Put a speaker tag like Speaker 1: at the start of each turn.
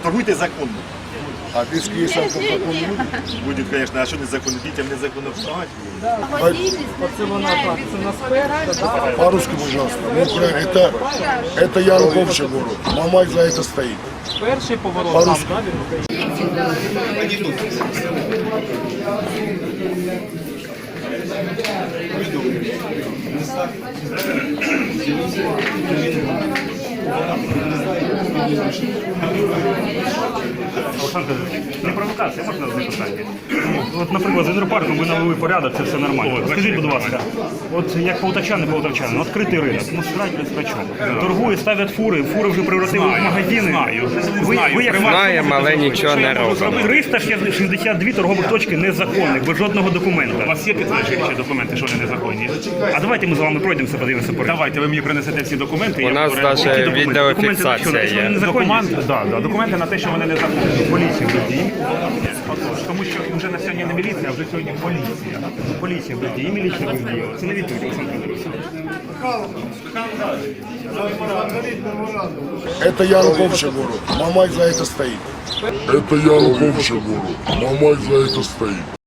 Speaker 1: торгуйте законно.
Speaker 2: А диски есть законно будет?
Speaker 1: Будет, конечно, а що незаконно? Дітям незаконно впливати.
Speaker 2: По-русски, пожалуйста. Ну, правильно, это Януковича город. Мамай за это стоит.
Speaker 3: Перший поворот.
Speaker 2: По-русски.
Speaker 4: Олександр, не провокація, можна задати питання? От, наприклад, з інтерпарком ви навели порядок, це все нормально. Скажіть, будь ласка, от як полтавчани, відкритий ринок, ну срать без рачок. Торгують, ставлять фури, фури вже превратили в магазини.
Speaker 5: Знаємо, але нічого не робимо.
Speaker 4: 362 торгових точки незаконних, без жодного документа.
Speaker 6: У вас є підтверджуючі документи, що вони незаконні?
Speaker 4: А давайте ми з вами пройдемося, подивимося порядок.
Speaker 6: Давайте, ви мені принесете всі документи.
Speaker 5: У нас навіть відеофіксація є.
Speaker 6: Документи на те, що вони незаконні. Поліція без дій. Тому що вже на сьогодні не міліція, а вже сьогодні поліція.
Speaker 4: Поліція без дії, міліція без дії. Це не відповідь, Олександр Федорович.
Speaker 2: Это Януковича город. Мамай за это стоит. Это Януковича город. Мамай за это стоит.